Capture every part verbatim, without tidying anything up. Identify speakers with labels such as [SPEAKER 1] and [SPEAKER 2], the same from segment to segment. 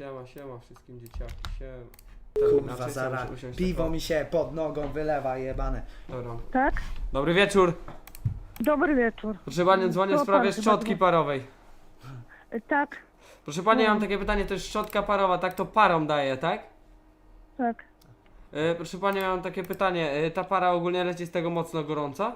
[SPEAKER 1] Siema, siema wszystkim dzieciaki, siema.
[SPEAKER 2] Kurwa,
[SPEAKER 1] Znaczy,
[SPEAKER 2] zaraz.
[SPEAKER 1] muszę usiąść
[SPEAKER 2] Piwo
[SPEAKER 1] tak,
[SPEAKER 2] mi się pod nogą wylewa, jebane.
[SPEAKER 1] Dobra.
[SPEAKER 3] Tak?
[SPEAKER 1] Dobry wieczór.
[SPEAKER 3] Dobry wieczór.
[SPEAKER 1] Proszę Panią, dzwonię w
[SPEAKER 3] To
[SPEAKER 1] sprawie
[SPEAKER 3] pan chyba
[SPEAKER 1] szczotki
[SPEAKER 3] dzwoni.
[SPEAKER 1] parowej.
[SPEAKER 3] Y, Tak,
[SPEAKER 1] Proszę Pani, ja mam
[SPEAKER 3] Mm.
[SPEAKER 1] takie pytanie, to jest szczotka parowa, tak to parą daje, tak?
[SPEAKER 3] tak.
[SPEAKER 1] E, proszę Pani, ja mam takie pytanie, e, ta para ogólnie leci z tego mocno gorąca?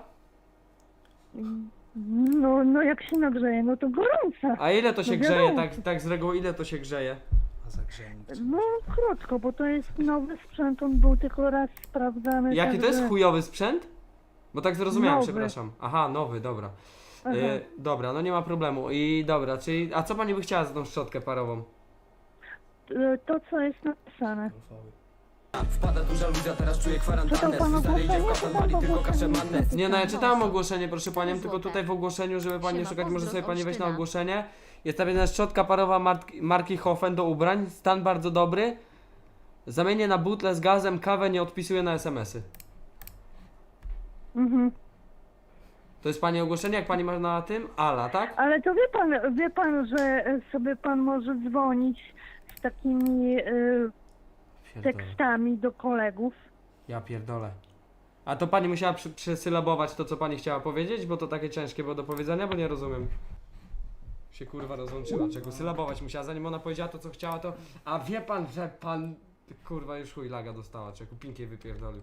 [SPEAKER 3] No, no jak się nagrzeje, no to gorąca.
[SPEAKER 1] A ile to się
[SPEAKER 3] No
[SPEAKER 1] grzeje,
[SPEAKER 3] wiadomo.
[SPEAKER 1] tak, tak z reguły ile to się grzeje?
[SPEAKER 2] A zagrzejnik.
[SPEAKER 3] No krótko, bo to jest nowy sprzęt, on był tylko raz sprawdzany.
[SPEAKER 1] Jaki to
[SPEAKER 3] także-
[SPEAKER 1] jest chujowy sprzęt? Bo tak zrozumiałem,
[SPEAKER 3] Nowy.
[SPEAKER 1] przepraszam. Aha, nowy, dobra.
[SPEAKER 3] Aha.
[SPEAKER 1] E, dobra, no nie ma problemu. I dobra, czyli, a co Pani by chciała za tą szczotkę parową?
[SPEAKER 3] Y, To, co jest napisane.
[SPEAKER 4] Wpada duża ludzia, teraz czuję
[SPEAKER 3] Czytał
[SPEAKER 4] kwarantannę.
[SPEAKER 3] pan
[SPEAKER 4] Stary idzie w
[SPEAKER 3] ogłoszenie?
[SPEAKER 4] kafel,
[SPEAKER 3] Czytał
[SPEAKER 4] mali
[SPEAKER 3] pan
[SPEAKER 4] tylko kaszę
[SPEAKER 3] ogłoszenie?
[SPEAKER 4] manne.
[SPEAKER 1] Nie, no ja czytałam ogłoszenie, proszę Panią, tylko
[SPEAKER 5] Złote.
[SPEAKER 1] tutaj w ogłoszeniu, żeby Pani nie
[SPEAKER 5] Siema,
[SPEAKER 1] szukać, może
[SPEAKER 5] pozdro,
[SPEAKER 1] sobie Pani wejść na
[SPEAKER 5] Olsztyna.
[SPEAKER 1] ogłoszenie. Jest napisana szczotka parowa marki, marki Hofen do ubrań, stan bardzo dobry. Zamienię na butlę z gazem, kawę nie odpisuję na es em esy.
[SPEAKER 3] Mhm.
[SPEAKER 1] To jest Pani ogłoszenie, jak Pani ma na tym? Ala, tak?
[SPEAKER 3] Ale to wie pan, wie pan, że y, sobie pan może dzwonić z takimi y, tekstami do kolegów.
[SPEAKER 1] Ja pierdolę. A to Pani musiała przy, przesylabować to, co Pani chciała powiedzieć? Bo to takie ciężkie było do powiedzenia, bo nie rozumiem. Się kurwa rozłączyła, czego sylabować musiała, zanim ona powiedziała to, co chciała, to... A wie Pan, że Pan... Kurwa, już chuj laga dostała, czego pinkiej wypierdolił.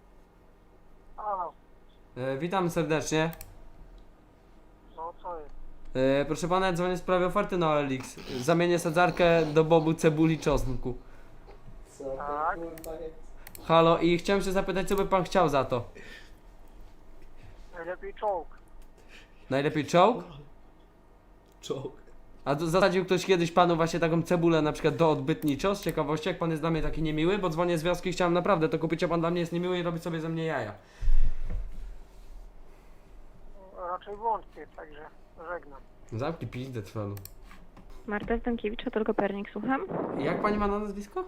[SPEAKER 1] E, witam serdecznie.
[SPEAKER 6] No co jest?
[SPEAKER 1] E, proszę Pana, dzwonię w sprawie oferty na O L X. Zamienię sadzarkę do bobu, cebuli, czosnku.
[SPEAKER 6] Tak?
[SPEAKER 1] Halo, i chciałem się zapytać, co by Pan chciał za to?
[SPEAKER 6] Najlepiej czołg.
[SPEAKER 1] Najlepiej czołg?
[SPEAKER 2] Czołg.
[SPEAKER 1] A to zasadził ktoś kiedyś Panu właśnie taką cebulę na przykład do odbytniczo, z ciekawości, jak Pan jest dla mnie taki niemiły, bo dzwonię z wioski i chciałem naprawdę to kupić, a Pan dla mnie jest niemiły i robi sobie ze mnie jaja.
[SPEAKER 6] Raczej wątpię, także żegnam.
[SPEAKER 1] Zamknij pizdę, trwalu.
[SPEAKER 5] Marta Stankiewicz, Hotel Kopernik, słucham.
[SPEAKER 1] Jak Pani ma na nazwisko?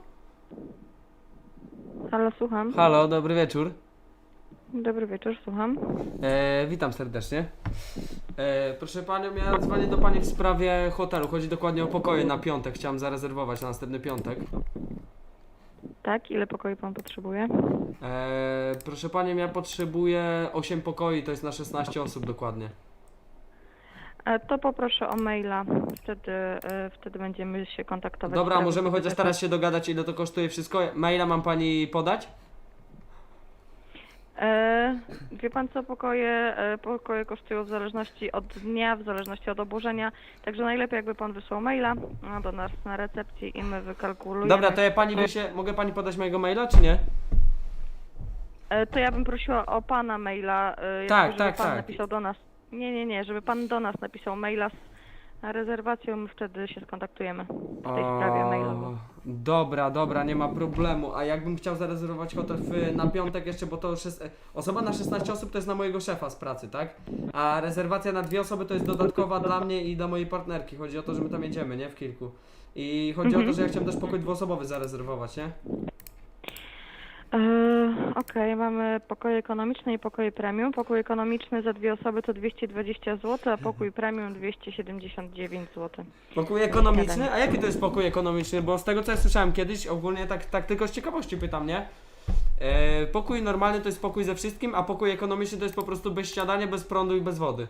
[SPEAKER 5] Halo, słucham.
[SPEAKER 1] Halo, dobry wieczór.
[SPEAKER 5] Dobry wieczór, słucham.
[SPEAKER 1] E, witam serdecznie. E, proszę Panią, ja dzwonię do Pani w sprawie hotelu. Chodzi dokładnie o pokoje na piątek. Chciałem zarezerwować na następny piątek.
[SPEAKER 5] Tak, ile pokoi pan potrzebuje?
[SPEAKER 1] E, proszę Panią, ja potrzebuję osiem pokoi, to jest na szesnaście osób dokładnie.
[SPEAKER 5] E, To poproszę o maila, wtedy, e, wtedy będziemy się kontaktować.
[SPEAKER 1] Dobra,
[SPEAKER 5] w sprawie
[SPEAKER 1] możemy chociaż
[SPEAKER 5] tego.
[SPEAKER 1] teraz się dogadać, ile to kosztuje wszystko. Maila mam Pani podać?
[SPEAKER 5] E, wie pan co, pokoje, e, pokoje kosztują w zależności od dnia, w zależności od obłożenia, także najlepiej jakby pan wysłał maila no, do nas na recepcji i my wykalkulujemy.
[SPEAKER 1] Dobra, to ja Pani wyślę, mogę Pani podać mojego maila, czy nie?
[SPEAKER 5] E, To ja bym prosiła o pana maila, e, jakby,
[SPEAKER 1] Tak,
[SPEAKER 5] żeby
[SPEAKER 1] tak,
[SPEAKER 5] pan
[SPEAKER 1] tak.
[SPEAKER 5] napisał do nas. Nie, nie, nie, żeby pan do nas napisał maila z rezerwacją, my wtedy się skontaktujemy w tej sprawie mailowo.
[SPEAKER 1] Dobra, dobra, nie ma problemu. A jakbym chciał zarezerwować hotel w, na piątek jeszcze, bo to już jest... Osoba na szesnaście osób to jest na mojego szefa z pracy, tak? A rezerwacja na dwie osoby to jest dodatkowa dla mnie i dla mojej partnerki. Chodzi o to, że my tam jedziemy, nie? W kilku. I chodzi o to, że ja chciałem też pokój dwuosobowy zarezerwować, nie?
[SPEAKER 5] Eee, Okej, mamy pokoje ekonomiczne i pokoje premium. Pokój ekonomiczny za dwie osoby to dwieście dwadzieścia złotych, a pokój premium dwieście siedemdziesiąt dziewięć złotych.
[SPEAKER 1] Pokój ekonomiczny? A jaki to jest pokój ekonomiczny? Bo z tego co ja słyszałem kiedyś, ogólnie tak, tak tylko z ciekawości pytam, nie? E, pokój normalny to jest pokój ze wszystkim, a pokój ekonomiczny to jest po prostu bez śniadania, bez prądu i bez wody.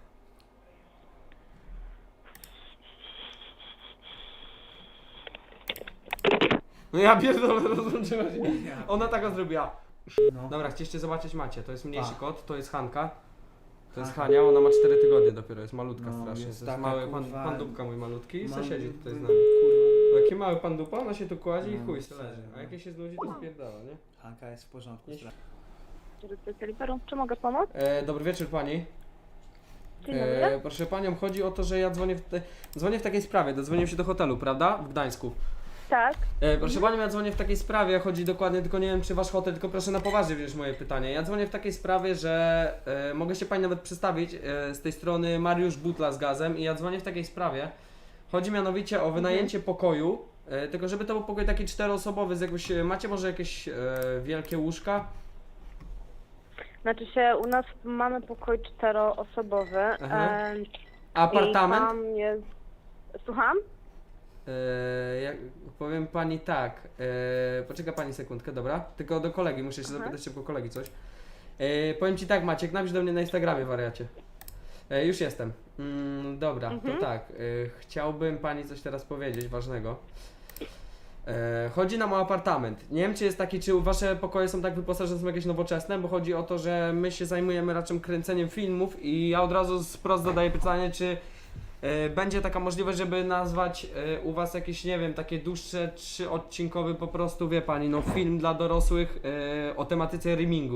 [SPEAKER 1] No ja pierdolę, rozłączyła się. Ona taka zrobiła.
[SPEAKER 2] No.
[SPEAKER 1] Dobra, chcieliście zobaczyć Macie, to jest mniejszy
[SPEAKER 2] A.
[SPEAKER 1] kot, to jest Hanka. To jest
[SPEAKER 2] Hanka.
[SPEAKER 1] Hania, ona ma cztery tygodnie dopiero, jest malutka
[SPEAKER 2] No,
[SPEAKER 1] strasznie.
[SPEAKER 2] jest
[SPEAKER 1] To jest
[SPEAKER 2] taka,
[SPEAKER 1] mały pan,
[SPEAKER 2] kurwa,
[SPEAKER 1] pan dupka mój malutki i se
[SPEAKER 2] Mam-
[SPEAKER 1] siedzi tutaj z nami.
[SPEAKER 2] Kurwa.
[SPEAKER 1] Taki mały pan dupa, ona się tu kładzie i
[SPEAKER 2] No,
[SPEAKER 1] chuj se
[SPEAKER 2] serio,
[SPEAKER 1] leży. A
[SPEAKER 2] no.
[SPEAKER 1] jak jej się znudzi, to spierdala, nie?
[SPEAKER 2] Hanka jest w porządku.
[SPEAKER 1] Nie.
[SPEAKER 3] Czy mogę pomóc?
[SPEAKER 1] E, dobry wieczór pani.
[SPEAKER 3] Dzień dobry.
[SPEAKER 1] E, proszę panią, chodzi o to, że ja dzwonię w, te, dzwonię w takiej sprawie, dodzwoniłem się do hotelu, prawda? W Gdańsku.
[SPEAKER 3] Tak.
[SPEAKER 1] E, proszę panią, ja dzwonię w takiej sprawie, chodzi dokładnie, tylko nie wiem czy wasz hotel, tylko proszę na poważnie wziąć moje pytanie. Ja dzwonię w takiej sprawie, że e, mogę się pani nawet przedstawić, e, z tej strony Mariusz Butla z Gazem i ja dzwonię w takiej sprawie. Chodzi mianowicie o wynajęcie pokoju, e, tylko żeby to był pokój taki czteroosobowy, z jakąś, macie może jakieś e, wielkie łóżka?
[SPEAKER 7] Znaczy się, u nas mamy pokój czteroosobowy.
[SPEAKER 1] Aha.
[SPEAKER 7] E,
[SPEAKER 1] Apartament?
[SPEAKER 7] I tam jest... Słucham?
[SPEAKER 1] E, jak, powiem pani tak. E, poczeka pani sekundkę, dobra? Tylko do kolegi, muszę się
[SPEAKER 5] Aha.
[SPEAKER 1] zapytać szybko kolegi coś. E, powiem ci tak, Maciek, napisz do mnie na Instagramie, wariacie. E, już jestem. Mm, dobra,
[SPEAKER 5] Mhm.
[SPEAKER 1] to tak. E, chciałbym pani coś teraz powiedzieć ważnego. E, chodzi nam o apartament. Nie wiem, czy jest taki, czy wasze pokoje są tak wyposażone, są jakieś nowoczesne, bo chodzi o to, że my się zajmujemy raczej kręceniem filmów i ja od razu wprost zadaję pytanie, czy e, będzie taka możliwość, żeby nazwać e, u was jakieś, nie wiem, takie dłuższe, trzyodcinkowy po prostu, wie pani, no film dla dorosłych e, o tematyce rimingu.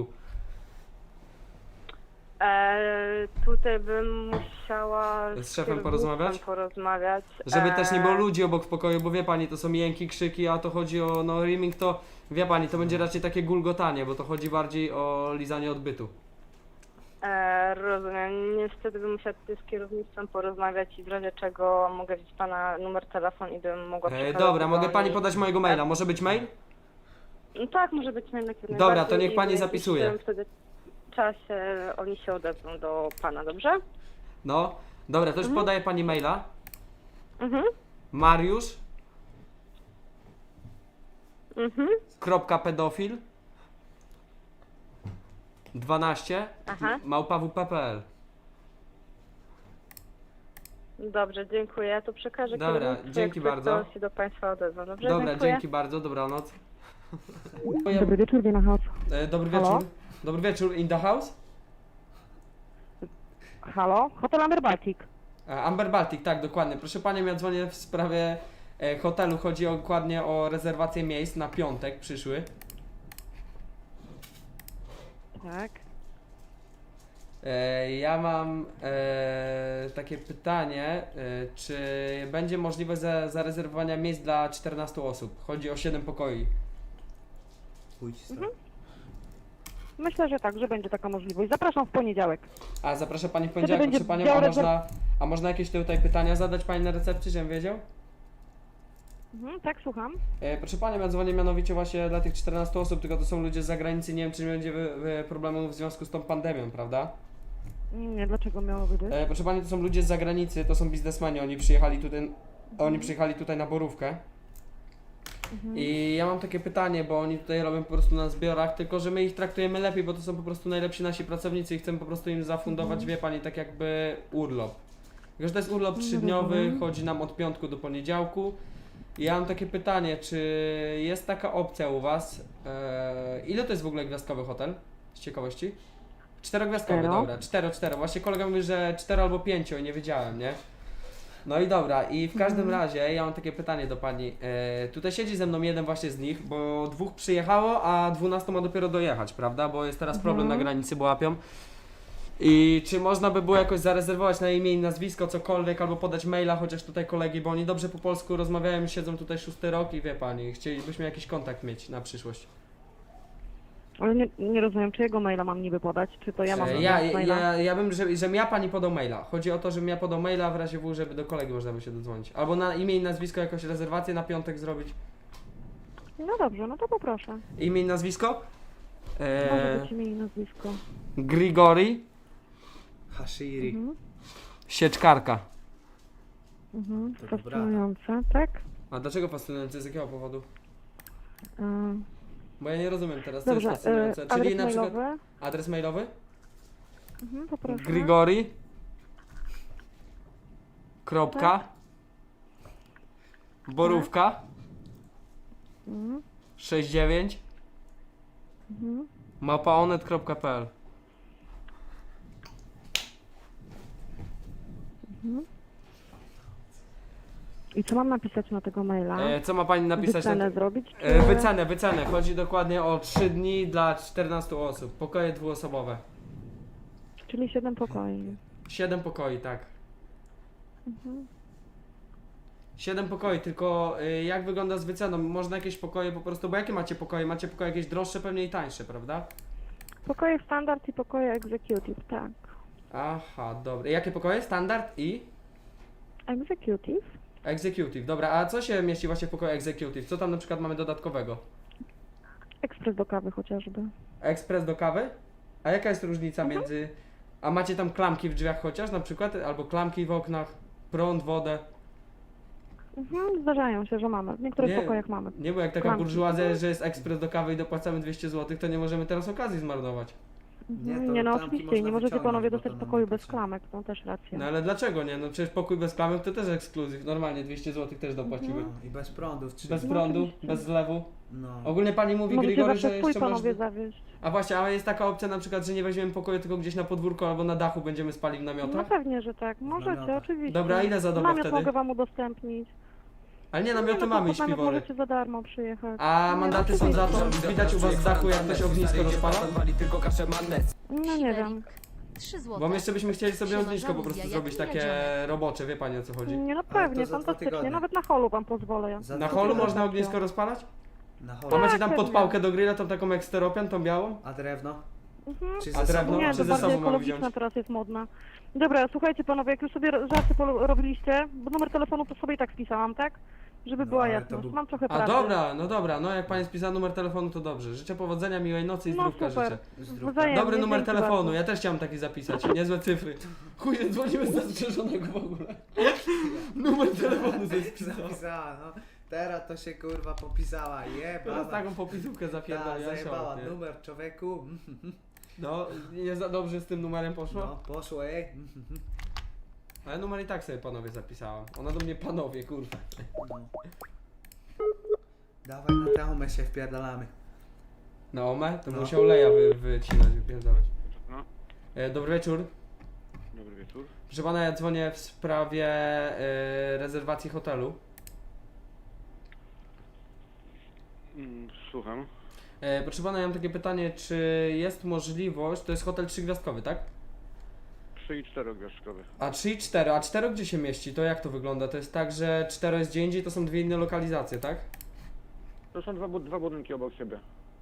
[SPEAKER 7] E, tutaj bym musiała
[SPEAKER 1] Z szefem
[SPEAKER 7] kierownictwem
[SPEAKER 1] porozmawiać?
[SPEAKER 7] porozmawiać.
[SPEAKER 1] Żeby też nie było
[SPEAKER 7] E,
[SPEAKER 1] ludzi obok w pokoju, bo wie pani, to są jęki, krzyki, a to chodzi o, no rimming to, wie pani, to będzie raczej takie gulgotanie, bo to chodzi bardziej o lizanie odbytu.
[SPEAKER 7] E, rozumiem. Niestety bym musiała tutaj z kierownictwem porozmawiać i w razie czego mogę wziąć pana numer telefonu i bym mogła
[SPEAKER 1] E,
[SPEAKER 7] przekazać
[SPEAKER 1] dobra,
[SPEAKER 7] do
[SPEAKER 1] mogę pani
[SPEAKER 7] nich.
[SPEAKER 1] podać mojego maila, może być mail?
[SPEAKER 7] No tak, może być mail jak
[SPEAKER 1] Dobra,
[SPEAKER 7] najbardziej
[SPEAKER 1] to niech
[SPEAKER 7] i
[SPEAKER 1] pani
[SPEAKER 7] w jakimś
[SPEAKER 1] zapisuje.
[SPEAKER 7] tym wtedy czasie oni się odezwą do pana, dobrze?
[SPEAKER 1] No, dobra, to już
[SPEAKER 7] Mhm.
[SPEAKER 1] podaję pani maila.
[SPEAKER 7] Mhm.
[SPEAKER 1] Mariusz,
[SPEAKER 7] Mhm.
[SPEAKER 1] kropka pedofil dwanaście
[SPEAKER 7] Aha.
[SPEAKER 1] małpa w p p l.
[SPEAKER 7] Dobrze, dziękuję. Ja to przekażę
[SPEAKER 1] Dobra,
[SPEAKER 7] kierownictwu,
[SPEAKER 1] dzięki
[SPEAKER 7] jak
[SPEAKER 1] bardzo.
[SPEAKER 7] ktoś się do państwa odezwa, dobrze?
[SPEAKER 1] Dobra,
[SPEAKER 7] dziękuję.
[SPEAKER 1] dzięki bardzo, dobranoc.
[SPEAKER 8] Dobry wieczór, Wina House.
[SPEAKER 1] E, Dobry
[SPEAKER 8] Halo?
[SPEAKER 1] wieczór. Dobry wieczór, in the house?
[SPEAKER 8] Halo? Hotel Amber Baltic.
[SPEAKER 1] E, Amber Baltic, tak, dokładnie. Proszę panią, ja dzwonię w sprawie e, hotelu. Chodzi o, dokładnie o rezerwację miejsc na piątek przyszły.
[SPEAKER 8] Tak.
[SPEAKER 1] E, ja mam e, takie pytanie, e, czy będzie możliwość za, zarezerwowania miejsc dla czternastu osób? Chodzi o siedem pokoi.
[SPEAKER 2] Pójdź stąd.
[SPEAKER 8] Mhm. Myślę, że tak, że będzie taka możliwość. Zapraszam w poniedziałek.
[SPEAKER 1] A zapraszam pani w poniedziałek,
[SPEAKER 8] będzie
[SPEAKER 1] proszę panią,
[SPEAKER 8] dział
[SPEAKER 1] a
[SPEAKER 8] rezerw-
[SPEAKER 1] można, a można jakieś tutaj pytania zadać pani na recepcji, żebym wiedział?
[SPEAKER 8] Mhm, tak, słucham.
[SPEAKER 1] E, proszę panią, ja dzwonię mianowicie właśnie dla tych czternastu osób, tylko to są ludzie z zagranicy, nie wiem czy nie będzie wy, wy problemów w związku z tą pandemią, prawda?
[SPEAKER 8] Nie, dlaczego miałoby być?
[SPEAKER 1] E, proszę pani, to są ludzie z zagranicy, to są biznesmeni, oni przyjechali tutaj, oni przyjechali tutaj na Borówkę.
[SPEAKER 8] Mhm.
[SPEAKER 1] I ja mam takie pytanie, bo oni tutaj robią po prostu na zbiorach, tylko że my ich traktujemy lepiej, bo to są po prostu najlepsi nasi pracownicy i chcemy po prostu im zafundować, wie pani, tak jakby urlop. Tylko że to jest urlop trzydniowy,
[SPEAKER 8] rozumiem.
[SPEAKER 1] chodzi nam od piątku do poniedziałku. I ja mam takie pytanie, czy jest taka opcja u was? Eee, ile to jest w ogóle gwiazdkowy hotel? Z ciekawości? Czterogwiazdkowy,
[SPEAKER 8] Cztero.
[SPEAKER 1] dobra, cztero, cztero. Właśnie kolega mówi, że cztero albo pięcio i nie wiedziałem, nie? No i dobra, i w każdym razie ja mam takie pytanie do pani. E, tutaj siedzi ze mną jeden właśnie z nich, bo dwóch przyjechało, a dwunastu ma dopiero dojechać, prawda? Bo jest teraz problem na granicy, bo łapią. I czy można by było jakoś zarezerwować na imię i nazwisko, cokolwiek, albo podać maila, chociaż tutaj kolegi, bo oni dobrze po polsku rozmawiają, siedzą tutaj szósty rok i wie pani, chcielibyśmy jakiś kontakt mieć na przyszłość.
[SPEAKER 8] Ale nie, nie rozumiem, czyjego maila mam niby podać? Czy to ja mam
[SPEAKER 1] E, ja,
[SPEAKER 8] podać maila?
[SPEAKER 1] ja, ja bym, że, żebym ja pani podał maila. Chodzi o to, żebym ja podał maila w razie W, żeby do kolegi można by się dodzwonić. Albo na imię i nazwisko jakąś rezerwację na piątek zrobić.
[SPEAKER 8] No dobrze, no to poproszę.
[SPEAKER 1] Imię i nazwisko?
[SPEAKER 8] Może
[SPEAKER 1] E,
[SPEAKER 8] być imię i nazwisko.
[SPEAKER 1] Grigori
[SPEAKER 2] Hashiri.
[SPEAKER 8] Mhm.
[SPEAKER 1] Sieczkarka.
[SPEAKER 8] Mhm.
[SPEAKER 2] To dobra.
[SPEAKER 8] Fascynujące, tak?
[SPEAKER 1] A dlaczego fascynujący? Z jakiego powodu?
[SPEAKER 8] Ym,
[SPEAKER 1] Bo ja nie rozumiem teraz, co
[SPEAKER 8] Dobrze,
[SPEAKER 1] jest fascynujące.
[SPEAKER 8] y,
[SPEAKER 1] Czyli
[SPEAKER 8] adres
[SPEAKER 1] na przykład
[SPEAKER 8] mailowy.
[SPEAKER 1] adres mailowy?
[SPEAKER 8] Mhm, poproszę.
[SPEAKER 1] Grigori. Kropka. Borówka.
[SPEAKER 8] Mhm.
[SPEAKER 1] sześćdziesiąt dziewięć.
[SPEAKER 8] Mhm.
[SPEAKER 1] małpaonet kropka p l.
[SPEAKER 8] I co mam napisać na tego maila?
[SPEAKER 1] E, co ma pani napisać?
[SPEAKER 8] Wycenę
[SPEAKER 1] na
[SPEAKER 8] zrobić? Czy...
[SPEAKER 1] e, wycenę, wycenę. Chodzi dokładnie o trzy dni dla czternastu osób. Pokoje dwuosobowe.
[SPEAKER 8] Czyli siedem pokoi.
[SPEAKER 1] siedem pokoi, tak. siedem pokoi, tylko y, jak wygląda z wyceną? Można jakieś pokoje po prostu, bo jakie macie pokoje? Macie pokoje jakieś droższe, pewnie i tańsze, prawda?
[SPEAKER 8] Pokoje standard i pokoje executive, tak.
[SPEAKER 1] Aha, dobra. Jakie pokoje? Standard i
[SPEAKER 8] Executive?
[SPEAKER 1] executive. Dobra, a co się mieści właśnie w pokoju executive? Co tam na przykład mamy dodatkowego?
[SPEAKER 8] Ekspres do kawy chociażby.
[SPEAKER 1] Ekspres do kawy? A jaka jest różnica między... A macie tam klamki w drzwiach chociaż na przykład? Albo klamki w oknach, prąd, wodę?
[SPEAKER 8] Mhm, zdarzają się, że mamy. W niektórych
[SPEAKER 1] Nie.
[SPEAKER 8] pokojach mamy.
[SPEAKER 1] Nie, bo jak taka
[SPEAKER 8] Klamki.
[SPEAKER 1] burżuazja, że jest ekspres do kawy i dopłacamy dwieście złotych, to nie możemy teraz okazji zmarnować.
[SPEAKER 2] Nie,
[SPEAKER 8] Mhm,
[SPEAKER 2] to
[SPEAKER 8] nie no,
[SPEAKER 2] klamki
[SPEAKER 8] oczywiście, i nie
[SPEAKER 2] można
[SPEAKER 8] możecie
[SPEAKER 2] wyciągnąć,
[SPEAKER 8] panowie
[SPEAKER 2] bo
[SPEAKER 8] dostać
[SPEAKER 2] to nam
[SPEAKER 8] pokoju
[SPEAKER 2] nie
[SPEAKER 8] bez
[SPEAKER 2] potrzebne.
[SPEAKER 8] klamek, to też racja.
[SPEAKER 1] No ale dlaczego nie? No przecież pokój bez klamek to też ekskluzyw. Normalnie dwieście złotych też dopłacimy.
[SPEAKER 2] No, i bez prądu w trzy.
[SPEAKER 1] Bez
[SPEAKER 8] No,
[SPEAKER 1] prądu,
[SPEAKER 8] oczywiście.
[SPEAKER 1] bez zlewu.
[SPEAKER 2] No.
[SPEAKER 1] Ogólnie pani mówi
[SPEAKER 8] Możecie
[SPEAKER 1] Grigory,
[SPEAKER 8] zawsze
[SPEAKER 1] że
[SPEAKER 8] swój
[SPEAKER 1] jeszcze
[SPEAKER 8] panowie
[SPEAKER 1] można...
[SPEAKER 8] zawieźć.
[SPEAKER 1] A właśnie, ale jest taka opcja na przykład, że nie weźmiemy pokoju, tylko gdzieś na podwórku albo na dachu będziemy spali w
[SPEAKER 8] No
[SPEAKER 1] namiotach?
[SPEAKER 8] pewnie, że tak. Możecie,
[SPEAKER 2] namiotach.
[SPEAKER 8] oczywiście.
[SPEAKER 1] Dobra, a ile za dobę
[SPEAKER 8] Namiot
[SPEAKER 1] wtedy?
[SPEAKER 8] mogę wam udostępnić.
[SPEAKER 1] Ale nie,
[SPEAKER 8] Nie,
[SPEAKER 1] namioty
[SPEAKER 8] no,
[SPEAKER 1] mamy i
[SPEAKER 8] pod namiot
[SPEAKER 1] śpiwory.
[SPEAKER 8] możecie za darmo przyjechać.
[SPEAKER 1] A
[SPEAKER 8] Nie,
[SPEAKER 1] mandaty są za to? Widać u was z dachu, jak ktoś ognisko rozpala?
[SPEAKER 4] Wali tylko kaszę mannes.
[SPEAKER 8] No nie wiem.
[SPEAKER 9] trzy złote.
[SPEAKER 1] Bo my jeszcze byśmy chcieli sobie
[SPEAKER 9] Siema,
[SPEAKER 1] ognisko po
[SPEAKER 9] żaluzja,
[SPEAKER 1] prostu
[SPEAKER 9] jak
[SPEAKER 1] zrobić takie
[SPEAKER 9] jedziemy.
[SPEAKER 1] robocze, wie pani o co chodzi?
[SPEAKER 8] Nie no
[SPEAKER 2] to
[SPEAKER 8] pewnie,
[SPEAKER 2] za dwa
[SPEAKER 8] fantastycznie.
[SPEAKER 2] tygodnie.
[SPEAKER 8] Nawet na holu wam pozwolę ja.
[SPEAKER 2] Za
[SPEAKER 1] Na
[SPEAKER 2] dwa
[SPEAKER 1] holu
[SPEAKER 2] tygodnie.
[SPEAKER 1] można ognisko rozpalać?
[SPEAKER 2] Na
[SPEAKER 1] A
[SPEAKER 2] holu.
[SPEAKER 1] macie tam
[SPEAKER 8] pewnie.
[SPEAKER 1] podpałkę do grilla, tą taką jak steropian, tą białą?
[SPEAKER 2] A drewno?
[SPEAKER 8] Mhm.
[SPEAKER 2] Czy
[SPEAKER 1] A
[SPEAKER 2] ze
[SPEAKER 1] drewno?
[SPEAKER 2] sobą?
[SPEAKER 8] Nie,
[SPEAKER 1] czy
[SPEAKER 8] to
[SPEAKER 1] ze
[SPEAKER 8] bardziej
[SPEAKER 1] sobą mamy
[SPEAKER 8] ekologiczna
[SPEAKER 1] wziąć?
[SPEAKER 8] teraz jest modna. Dobra, słuchajcie panowie, jak już sobie żarty polu- robiliście, bo numer telefonu to sobie i tak spisałam, tak? Żeby
[SPEAKER 2] No,
[SPEAKER 8] była
[SPEAKER 2] ale to
[SPEAKER 8] jasność.
[SPEAKER 2] był-
[SPEAKER 8] Mam trochę
[SPEAKER 1] A
[SPEAKER 8] pracy.
[SPEAKER 1] dobra, no dobra, no jak pani spisała numer telefonu to dobrze. Życzę powodzenia, miłej nocy i
[SPEAKER 8] No
[SPEAKER 1] zdrówka
[SPEAKER 8] super.
[SPEAKER 1] życzę.
[SPEAKER 2] Zdrówka.
[SPEAKER 8] Wzajemnie,
[SPEAKER 1] Dobry numer
[SPEAKER 8] dzięki
[SPEAKER 1] telefonu,
[SPEAKER 8] bardzo.
[SPEAKER 1] ja też chciałem taki zapisać, niezłe cyfry. Chuj, nie dzwonimy z zastrzeżonego w ogóle. Numer telefonu ze spisała.
[SPEAKER 2] Zapisała, no. Teraz to się kurwa popisała.
[SPEAKER 1] Teraz
[SPEAKER 2] Jebana.
[SPEAKER 1] taką popisówkę
[SPEAKER 2] Ta,
[SPEAKER 1] zapierdolę, ja się
[SPEAKER 2] zajebała
[SPEAKER 1] opnie.
[SPEAKER 2] numer człowieku.
[SPEAKER 1] No, nie za dobrze z tym numerem poszło?
[SPEAKER 2] No, poszło ej.
[SPEAKER 1] Ale numer i tak sobie panowie zapisałam. Ona do mnie panowie, kurwa.
[SPEAKER 2] No. Dawaj na tę umę się wpierdalamy.
[SPEAKER 1] Na omę? To
[SPEAKER 2] No.
[SPEAKER 1] musiał leja wy, wycinać, wypierdalać.
[SPEAKER 10] No,
[SPEAKER 1] E, dobry wieczór.
[SPEAKER 10] dobry wieczór.
[SPEAKER 1] Proszę pana, ja dzwonię w sprawie e, rezerwacji hotelu.
[SPEAKER 10] Mm, Słucham.
[SPEAKER 1] E, proszę pana, ja mam takie pytanie, czy jest możliwość, to jest hotel trzygwiazdkowy, tak?
[SPEAKER 10] Trzy i czterogwiazdkowy.
[SPEAKER 1] A trzy i cztery, a cztery gdzie się mieści? To jak to wygląda? To jest tak, że cztery jest gdzie indziej, to są dwie inne lokalizacje, tak?
[SPEAKER 10] To są dwa, bu- dwa budynki obok siebie.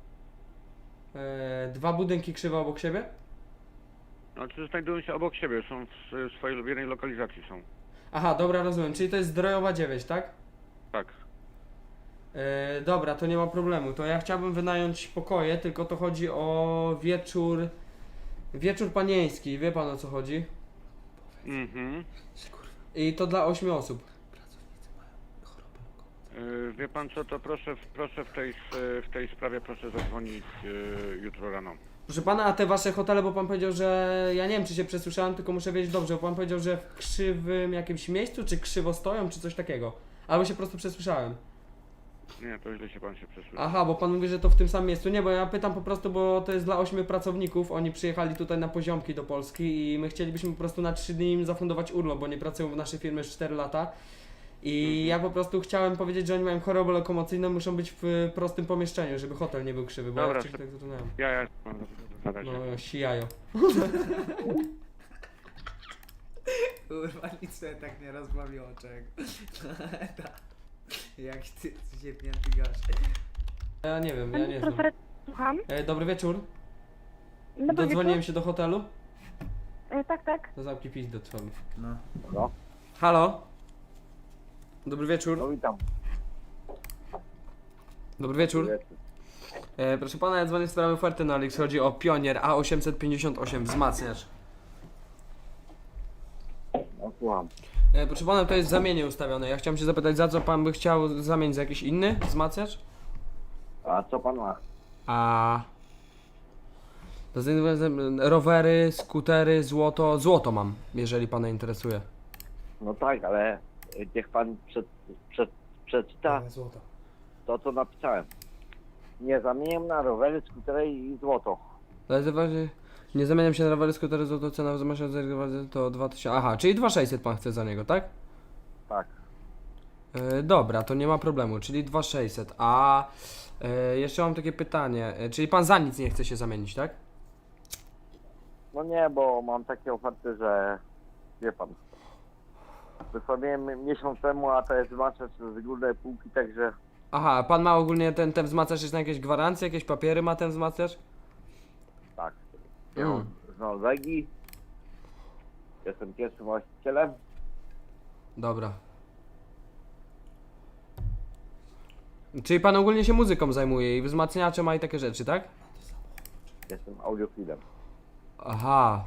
[SPEAKER 1] E, dwa budynki krzywe obok siebie?
[SPEAKER 10] Znaczy znajdują się obok siebie, są w, w swojej w jednej lokalizacji są.
[SPEAKER 1] Aha, dobra, rozumiem, czyli to jest Zdrojowa dziewięć, tak?
[SPEAKER 10] Tak.
[SPEAKER 1] E, dobra, to nie ma problemu. To ja chciałbym wynająć pokoje, tylko to chodzi o wieczór. Wieczór panieński, wie pan o co chodzi?
[SPEAKER 10] Mhm.
[SPEAKER 1] I to dla ośmiu osób.
[SPEAKER 10] Yy, wie pan co, to proszę, proszę w tej, w tej sprawie proszę zadzwonić yy, jutro rano.
[SPEAKER 1] Proszę pana, a te wasze hotele, bo pan powiedział, że ja nie wiem czy się przesłyszałem, tylko muszę wiedzieć dobrze, bo pan powiedział, że w krzywym jakimś miejscu, czy krzywo stoją, czy coś takiego. Albo się po prostu przesłyszałem.
[SPEAKER 10] Nie, to źle się pan się przesłyszał.
[SPEAKER 1] Aha, bo pan mówi, że to w tym samym miejscu. Nie, bo ja pytam po prostu, bo to jest dla ośmiu pracowników. Oni przyjechali tutaj na poziomki do Polski i my chcielibyśmy po prostu na trzy dni im zafundować urlop, bo nie pracują w naszej firmie już cztery lata. I
[SPEAKER 10] Mhm.
[SPEAKER 1] ja po prostu chciałem powiedzieć, że oni mają chorobę lokomocyjną, muszą być w prostym pomieszczeniu, żeby hotel nie był krzywy, bo
[SPEAKER 10] Dobra,
[SPEAKER 1] ja wcześniej tak zatrudniałem.
[SPEAKER 10] Ja, ja, na razie.
[SPEAKER 1] No, sijajo.
[SPEAKER 2] Kurwa, nic sobie tak nie rozbawiło czego. Jak ty, ty się pięty gość.
[SPEAKER 1] Ja nie wiem, ja nie znam.
[SPEAKER 3] Profesor, słucham?
[SPEAKER 1] E, dobry wieczór.
[SPEAKER 3] Dobry
[SPEAKER 1] Dodzwoniłem
[SPEAKER 3] wieczór.
[SPEAKER 1] się do hotelu.
[SPEAKER 3] E, tak, tak.
[SPEAKER 1] Do zamki pić do trwamy.
[SPEAKER 2] No.
[SPEAKER 10] No.
[SPEAKER 1] Halo? Dobry wieczór.
[SPEAKER 10] No witam.
[SPEAKER 1] Dobry wieczór. E, proszę pana, ja dzwonię w sprawie oferty na Alix. Chodzi o Pionier A osiemset pięćdziesiąt osiem wzmacniacz.
[SPEAKER 10] No słucham.
[SPEAKER 1] E, proszę pana, to jest w zamienie ustawione. Ja chciałem się zapytać, za co pan by chciał zamienić, za jakiś inny wzmacniacz?
[SPEAKER 10] A co pan ma?
[SPEAKER 1] A... To jest, rowery, skutery, złoto. Złoto mam, jeżeli pana interesuje.
[SPEAKER 11] No tak, ale niech pan przed, przed, przeczyta
[SPEAKER 2] Ale złoto.
[SPEAKER 11] to, co napisałem. Nie zamieniam na rowery, skutery i złoto.
[SPEAKER 1] Ale zauważy, nie zamieniam się na rowery, skutery, złoto, cena wzmacniacza to dwa tysiące. Aha, czyli dwa tysiące sześćset pan chce za niego, tak?
[SPEAKER 11] Tak.
[SPEAKER 1] E, dobra, to nie ma problemu, czyli dwa tysiące sześćset. A e, jeszcze mam takie pytanie, e, czyli pan za nic nie chce się zamienić, tak?
[SPEAKER 11] No nie, bo mam takie oferty, że wie pan. Wysławiłem miesiąc temu, a to jest zwłaszcza z górnej półki, także
[SPEAKER 1] Aha, pan ma ogólnie ten, ten wzmacniacz jest na jakieś gwarancje, jakieś papiery ma ten wzmacniacz?
[SPEAKER 11] tak.
[SPEAKER 1] Mm.
[SPEAKER 11] Ja z Norwegii. Jestem pierwszym właścicielem.
[SPEAKER 1] Dobra. Czyli pan ogólnie się muzyką zajmuje i wzmacniacze ma i takie rzeczy, tak?
[SPEAKER 11] Jestem audiofilem.
[SPEAKER 1] Aha.